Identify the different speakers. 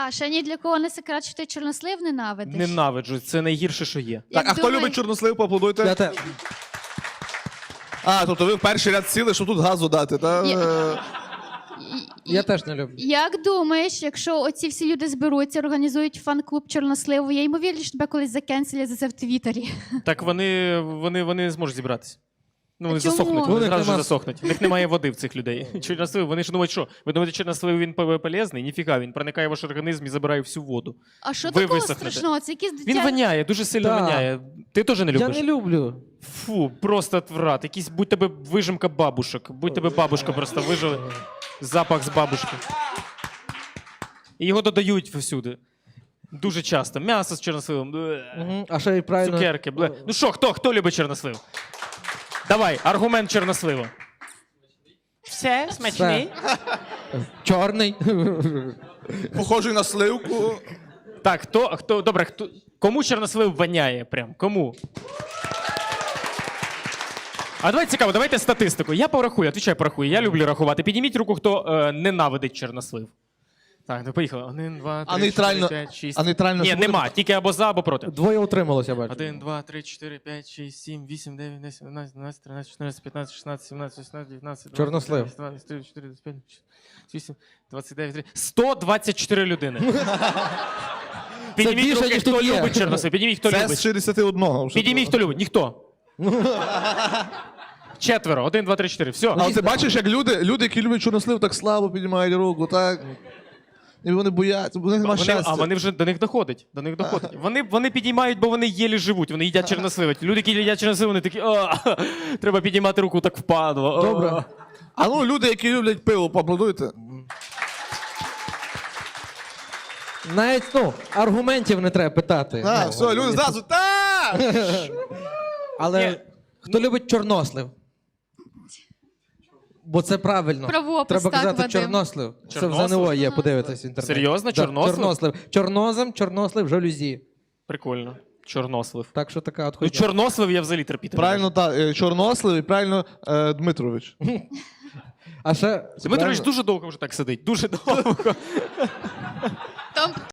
Speaker 1: А ще ні для кого не секрет, що ти чорнослив ненавидиш.
Speaker 2: Ненавиджу, це найгірше, що є.
Speaker 3: Так, а хто любить чорнослив, поаплодуйте.
Speaker 4: Я те...
Speaker 3: А, тобто ви в перший ряд сіли, щоб тут газу дати, так?
Speaker 4: Я теж не люблю.
Speaker 1: Як думаєш, якщо оці всі люди зберуться, організують фан-клуб чорносливу, є ймовірність, що тебе колись закенселять за це в Твіттері?
Speaker 2: Так вони не зможуть зібратися. Ну, вони
Speaker 1: Чому?
Speaker 2: засохнуть,
Speaker 4: Ну,
Speaker 2: вони
Speaker 4: у них
Speaker 2: зразу ж
Speaker 4: нема-
Speaker 2: засохнуть. У них немає води в цих людей. Чорнослив, вони ж думають, що? Ви думаєте, чорнослив він полезний? Ніфіга, він проникає в ваш організм і забирає всю воду.
Speaker 1: А що
Speaker 2: Ви
Speaker 1: такого
Speaker 2: висохнете.
Speaker 1: страшного? Це якісь
Speaker 2: Він
Speaker 1: дитя...
Speaker 2: воняє, дуже сильно
Speaker 4: Так.
Speaker 2: воняє. Ти теж не
Speaker 4: Я
Speaker 2: любиш?
Speaker 4: не люблю.
Speaker 2: Фу, просто отврат. Якийсь, будь тебе вижимка бабушок. Будь тебе бабушка просто вижили. Запах з бабушки. І його додають всюди. Дуже часто. М'ясо з чорносливом.
Speaker 4: Мгм. А ще й правильно...
Speaker 2: Цукерки. Бле. Ну що, хто любить чорнослив? Давай, аргумент чорнослива. Все, смачний.
Speaker 4: Чорний.
Speaker 3: Похожий на сливку.
Speaker 2: Так, добре, кому чорнослив воняє прям? Кому? А давайте цікаво, давайте статистику. Я порахую, отвічаю, порахую. Я люблю рахувати. Підніміть руку, хто ненавидить чорнослив. Так, ну поїхали. 1, 2, 3,
Speaker 3: А нейтрально-
Speaker 2: 4, 5, 6.
Speaker 3: а нейтрально
Speaker 2: Ні,
Speaker 3: що буде?
Speaker 2: нема, тільки або за, або проти.
Speaker 4: Двоє утрималося, бачу.
Speaker 2: 1, 2, 3, 4, 5, 6, 7, 8, 9, 10, 11, 12, 13, 14, 15, 16, 17, 18, 19, 20,
Speaker 4: Чорнослив.
Speaker 2: 22, 23, 24, 25, 28, 29, 30. 124 людини. Підніміть
Speaker 4: більше,
Speaker 2: руки,
Speaker 4: ніж
Speaker 2: хто
Speaker 4: тут є.
Speaker 2: любить чорнослив. Підніміть, хто
Speaker 3: Це з
Speaker 2: любить.
Speaker 3: 61.
Speaker 2: Підніміть, хто любить. Ніхто. Четверо. 1, 2, 3, 4. Все.
Speaker 3: А ти бачиш, як люди, які люблять чорнослив, так слабо піднімають руку, так? І вони бояться, у них нема щастя.
Speaker 2: А вони вже до них доходить. До них доходить. Вони підіймають, бо вони єлі живуть, вони їдять чорнослив. Люди, які їдять чорнослив, вони такі, треба підіймати руку, так впадло.
Speaker 4: Добре.
Speaker 3: А ну, люди, які люблять пиво, поаплодуйте.
Speaker 4: Навіть, аргументів не треба питати.
Speaker 3: А,
Speaker 4: Ну,
Speaker 3: все, люди зразу, так!
Speaker 4: Але
Speaker 2: Ні.
Speaker 4: хто любить чорнослив? Бо це правильно.
Speaker 1: Правопис,
Speaker 4: Треба
Speaker 1: так,
Speaker 4: казати
Speaker 1: Вадим.
Speaker 4: чорнослив. Це в
Speaker 2: Чорнослив?
Speaker 4: ЗНО є, подивитись в інтернеті.
Speaker 2: Серйозно?
Speaker 4: Да,
Speaker 2: Чорнослив?
Speaker 4: Чорнослив. Чорнозем, чорнослив, жалюзі.
Speaker 2: Прикольно. Чорнослив.
Speaker 4: Так що така от
Speaker 2: Ну,
Speaker 4: хуйня.
Speaker 2: чорнослив я взагалі терпіти. не
Speaker 3: Правильно, так, чорнослив і правильно Дмитрович.
Speaker 4: А ще...
Speaker 2: можу. Дмитрович дуже довго вже так сидить. Дуже довго.
Speaker 1: Там